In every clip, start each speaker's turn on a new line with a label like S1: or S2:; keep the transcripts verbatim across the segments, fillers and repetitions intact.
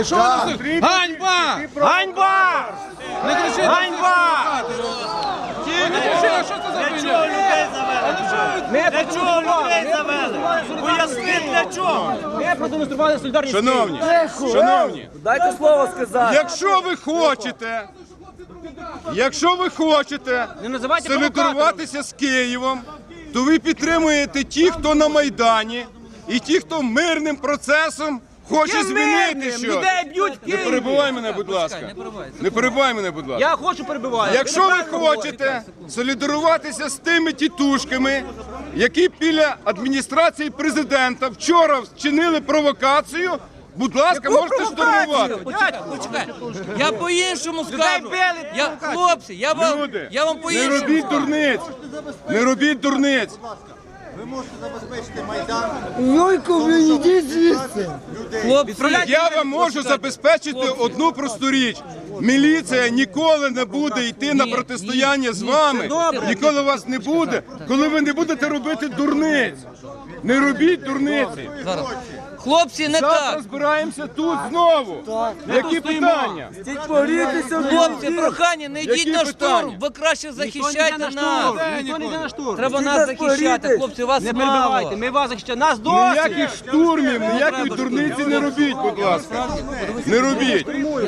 S1: Що ви тут? Ганьба! Ганьба! Не кричіть! Ганьба! Не кричіть, що це за хуйня?
S2: Для чого людей завели? Поясни, для чого?
S3: Ми продемонстрували солідарність.
S4: Шановні, шановні,
S3: Дайте слово сказати.
S4: якщо ви хочете, якщо ви хочете
S3: Не називайте
S4: солідаруватися з Києвом, то ви підтримуєте ті, хто на Майдані, і ті, хто мирним процесом хоче змінити щось.
S3: Людей б'ють в
S4: Не
S3: Києві.
S4: перебивай мене, будь ласка. Не перебивай мене, будь ласка.
S3: Я хочу перебивати.
S4: Якщо ви хочете солідаруватися з тими тітушками, які біля адміністрації президента вчора вчинили провокацію, будь ласка, можете штурмувати.
S5: Почекай, почекай. Я по-іншому скажу.
S3: били,
S5: Я, хлопці, я вам,
S4: Люди,
S5: я вам
S4: не
S5: по-іншому.
S4: робіть дурниць. Не робіть дурниць.
S6: Ви можете забезпечити Майдан.
S7: Йойко, ви йдіть звідси.
S5: Хлопці,
S4: Я вам можу забезпечити одну просту річ. Міліція ніколи не буде йти на
S5: Ні,
S4: протистояння
S5: ні,
S4: з
S5: ні,
S4: вами.
S5: це добре.
S4: Ніколи вас не буде, коли ви не будете робити дурниць. Не робіть дурниці.
S5: зараз. Хлопці, не
S4: Завтра
S5: так.
S4: збираємося тут знову. Які питання?
S5: Хлопці, прохання, не йдіть
S4: Які
S5: на
S4: питання?
S5: штурм. Ви краще
S3: Ніхто не йде
S5: захищайте
S3: на
S5: нас.
S3: штурм. Ніхто не йде на штурм.
S5: Треба нас захищати, хлопці, вас
S3: Не
S5: мало.
S3: перебивайте, ми вас захищаємо. Нас досі.
S4: Ніяких штурмів, ніякої дурниці не робіть, будь ласка. Не робіть.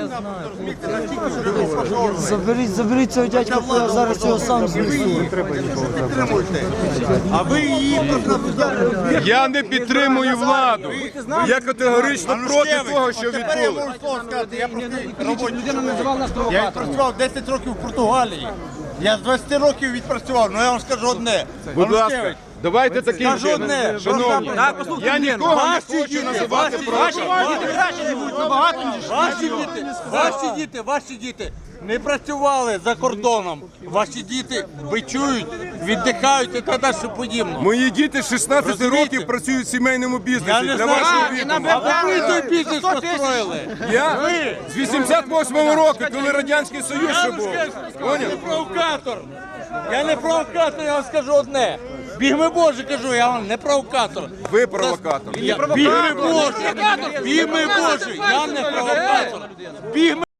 S7: Заберіть, заберіть цього дядька, бо я зараз його сам знесу.
S6: Підтримуйте. А ви її просто
S4: Я не підтримую владу. Я категорично проти того, що
S6: Тепер я
S4: відбулося.
S6: можу слово сказати. Я простий робочий
S3: Людина називала нас
S6: Я
S3: провокатором.
S6: відпрацював десять років в Португалії. Я з двадцяти років відпрацював, але я вам скажу одне.
S4: Будь ласка,
S6: Ганушкевич,
S4: давайте таким
S6: Скажу
S4: чином.
S6: одне,
S4: Шановні,
S3: Так, послухайте
S4: я
S3: людину.
S4: нікого не
S6: Ваші
S4: хочу
S6: діти,
S4: називати
S6: ваші
S4: проти.
S3: Діти краще живуть, набагато, ніж
S6: Ваші діти, ваші діти, ваші діти не працювали за кордоном. Ваші діти бичують, віддихають і так далі подібно.
S4: Мої діти з шістнадцяти
S6: Розумієте?
S4: років працюють в сімейному
S6: Я
S4: бізнесі.
S6: не
S4: Для
S6: знаю,
S4: вашого
S3: і
S4: відома.
S3: нам
S6: А ви той бізнес
S3: сто тисяч.
S6: построїли.
S4: Я з вісімдесят восьмого року, коли Радянський Союз ще був.
S6: Я не
S4: Поняв?
S6: провокатор. Я не провокатор, я вам скажу одне. Бігми Боже, кажу, я вам не провокатор.
S4: Ви провокатор.
S6: Я- Бігми Боже, бігми Боже, я не провокатор. Бігми